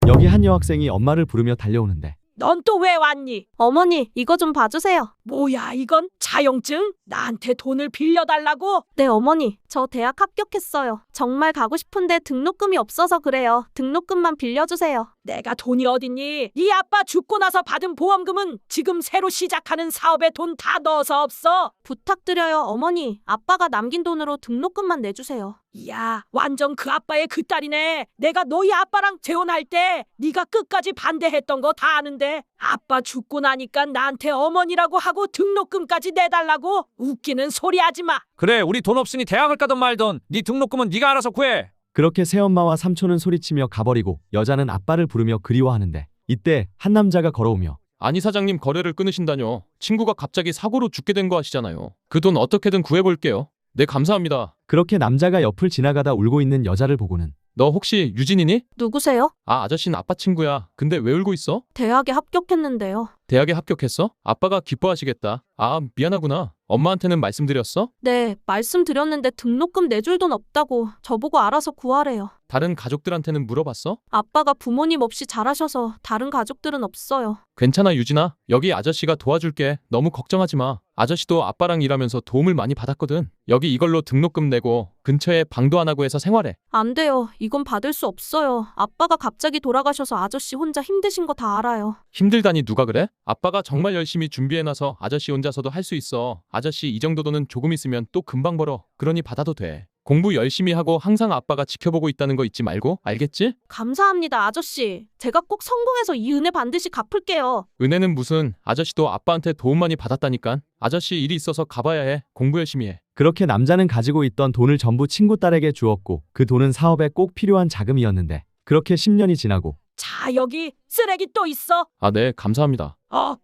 여기 한 여학생이 엄마를 부르며 달려오는데 넌 또 왜 왔니? 어머니, 이거 좀 봐주세요. 뭐야 이건? 자영증? 나한테 돈을 빌려달라고? 네, 어머니. 저 대학 합격했어요. 정말 가고 싶은데 등록금이 없어서 그래요. 등록금만 빌려주세요. 내가 돈이 어딨니? 네 아빠 죽고 나서 받은 보험금은 지금 새로 시작하는 사업에 돈 다 넣어서 없어. 부탁드려요, 어머니. 아빠가 남긴 돈으로 등록금만 내주세요. 야, 완전 그 아빠의 그 딸이네. 내가 너희 아빠랑 재혼할 때 네가 끝까지 반대했던 거 다 아는데 아빠 죽고 나니까 나한테 어머니라고 하고 등록금까지 내달라고? 웃기는 소리 하지 마. 그래, 우리 돈 없으니 대학을 가든 말든 네 등록금은 네가 알아서 구해. 그렇게 새엄마와 삼촌은 소리치며 가버리고 여자는 아빠를 부르며 그리워하는데 이때 한 남자가 걸어오며 아니 사장님 거래를 끊으신다뇨. 친구가 갑자기 사고로 죽게 된 거 아시잖아요. 그 돈 어떻게든 구해볼게요. 네 감사합니다. 그렇게 남자가 옆을 지나가다 울고 있는 여자를 보고는 너 혹시 유진이니? 누구세요? 아 아저씨는 아빠 친구야. 근데 왜 울고 있어? 대학에 합격했는데요. 대학에 합격했어? 아빠가 기뻐하시겠다. 아 미안하구나. 엄마한테는 말씀드렸어? 네, 말씀드렸는데 등록금 내줄 돈 없다고 저보고 알아서 구하래요. 다른 가족들한테는 물어봤어? 아빠가 부모님 없이 잘하셔서 다른 가족들은 없어요. 괜찮아 유진아. 여기 아저씨가 도와줄게. 너무 걱정하지 마. 아저씨도 아빠랑 일하면서 도움을 많이 받았거든. 여기 이걸로 등록금 내고 근처에 방도 안 하고 해서 생활해. 안 돼요. 이건 받을 수 없어요. 아빠가 갑자기 돌아가셔서 아저씨 혼자 힘드신 거 다 알아요. 힘들다니 누가 그래? 아빠가 정말 열심히 준비해놔서 아저씨 혼자서도 할 수 있어. 아저씨 이 정도 돈은 조금 있으면 또 금방 벌어. 그러니 받아도 돼. 공부 열심히 하고 항상 아빠가 지켜보고 있다는 거 잊지 말고. 알겠지? 감사합니다, 아저씨. 제가 꼭 성공해서 이 은혜 반드시 갚을게요. 은혜는 무슨. 아저씨도 아빠한테 도움 많이 받았다니까. 아저씨 일이 있어서 가봐야 해. 공부 열심히 해. 그렇게 남자는 가지고 있던 돈을 전부 친구 딸에게 주었고 그 돈은 사업에 꼭 필요한 자금이었는데 그렇게 10년이 지나고 자, 여기 쓰레기 또 있어. 아 네 감사합니다.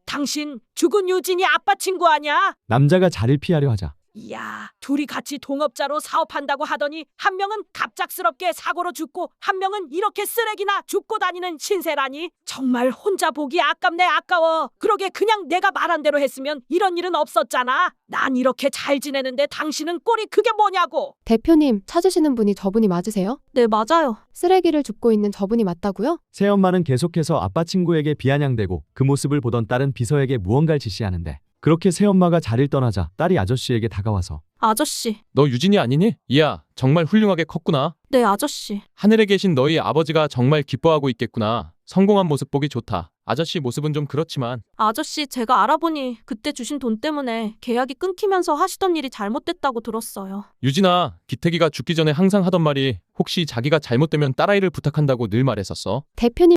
당신 죽은 유진이 아빠 친구 아냐? 남자가 자리를 피하려 하자 이야, 둘이 같이 동업자로 사업한다고 하더니 한 명은 갑작스럽게 사고로 죽고 한 명은 이렇게 쓰레기나 줍고 다니는 신세라니. 정말 혼자 보기 아깝네. 아까워. 그러게 그냥 내가 말한 대로 했으면 이런 일은 없었잖아. 난 이렇게 잘 지내는데 당신은 꼴이 그게 뭐냐고. 대표님, 찾으시는 분이 저분이 맞으세요? 네, 맞아요. 쓰레기를 줍고 있는 저분이 맞다고요? 새엄마는 계속해서 아빠 친구에게 비아냥대고 그 모습을 보던 딸은 비서에게 무언가를 지시하는데 그렇게 새엄마가 자리를 떠나자 딸이 아저씨에게 다가와서 아저씨. 너 유진이 아니니? 이야 정말 훌륭하게 컸구나. 네, 아저씨. 하늘에 계신 너희 아버지가 정말 기뻐하고 있겠구나. 성공한 모습 보기 좋다. 아저씨 모습은 좀 그렇지만. 아저씨, 제가 알아보니 그때 주신 돈 때문에 계약이 끊기면서 하시던 일이 잘못됐다고 들었어요. 유진아, 기태기가 죽기 전에 항상 하던 말이 혹시 자기가 잘못되면 딸아이를 부탁한다고 늘 말했었어. 대표님